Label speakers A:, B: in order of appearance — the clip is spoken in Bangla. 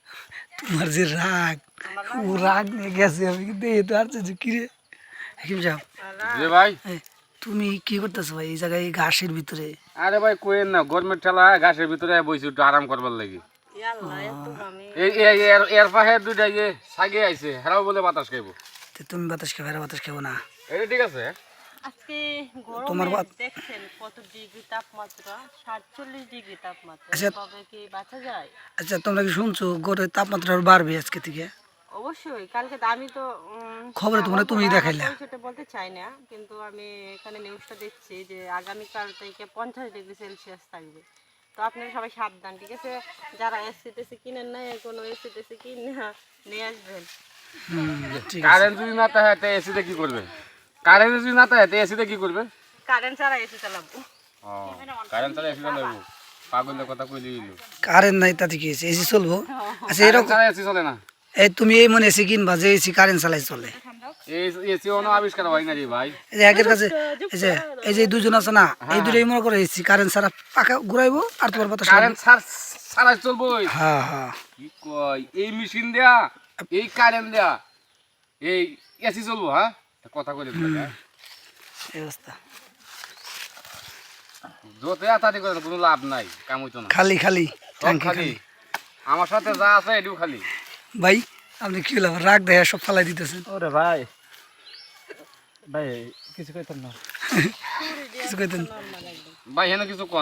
A: তোমার যে রাগ, ও রাগ নিয়ে গেছে। আমি কিন্তু এই তো আসছে যে কিরে হাকিম সাহেব,
B: যে ভাই
A: এই, তুমি কি করতেছো ভাই এই জায়গায় ঘাসের ভিতরে?
B: আরে ভাই কোয়েন না গরমের ঠেলা ঘাসের ভিতরে বইছি একটু আরাম করবার লাগি। এর পাশে দুইটা যে সাগে আইছে হেরাও বলে বাতাস খাইবো।
A: তো তুমি বাতাস খাবে, বাতাস খাবো না?
B: এটা ঠিক আছে।
C: আজকে
A: তোমার
C: গরমে দেখছেন কত ডিগ্রি তাপমাত্রা, 47 ডিগ্রি তাপমাত্রা।
A: আচ্ছা।
C: এভাবে কি বাঁচা যায়?
A: আচ্ছা, তোমরা কি শুনছো গড়ের তাপমাত্রা আরো বাড়বে আজকে থেকে?
C: অবশ্যই কালকে তো আমি তো
A: খবরে তোমরা তুমিই দেখাইলা।
C: সেটা বলতে চাই না, কিন্তু আমি এখানে নিউজটা দেখছি যে আগামীকাল থেকে 50 ডিগ্রি সেলসিয়াস থাকবে। তো আপনারা সবাই সাবধান, ঠিক আছে? যারা এসি টেসি কিনেন না, কোনো এসি টেসি কিনে নিয়ে আসবেন।
A: ঠিক আছে।
B: কারেন্ট যদি না থাকে তে এসিতে কি করবে? কারেন্ট যদি না থাকে তে এসিতে কি করবে?
C: কারেন্ট ছাড়া এসি চালাবো।
B: ও কারেন্ট ছাড়া এসি চালাবো? পাগলের কথা কইলি দিল।
A: কারেন্ট নাই তাতে কি হয়েছে, এসি চলবো? আচ্ছা
B: কারেন্ট
A: এরকম
B: ছাড়া এসি চলে না।
A: এই তুমি এই মনে এসি কিনবা যে এসি কারেন্ট চালাই চলে?
B: এই এসি অন্য আবিষ্কার হয় না রে ভাই।
A: এই যে একের কাছে এই যে দুজন আছে না, এই দুটোই মনে করে এসি কারেন্ট ছাড়া পাকা ঘুরাইবো আর তোমার বাতাস
B: কারেন্ট ছাড়া চলবো।
A: হ্যাঁ হ্যাঁ।
B: কি কয় এই মেশিন দেয়া এই কারেন্ট দেয়া এই এসি চলবো? হ্যাঁ কথা কইলে
A: এই অবস্থা।
B: যত আতাতি করে কোনো লাভ নাই, কাম হইতো না।
A: খালি খালি
B: সব
A: ট্যাঙ্কি
B: খালি
A: খালি।
B: আমার সাথে যা আছে এটিও খালি।
A: ভাই আপনি কি হলো রাগ দেখা সব ফালাই দিতেছেন?
D: ওরে ভাই ভাই কিছু কইতাম না।
A: কিছু কইতেন?
B: ভাই হেন কিছু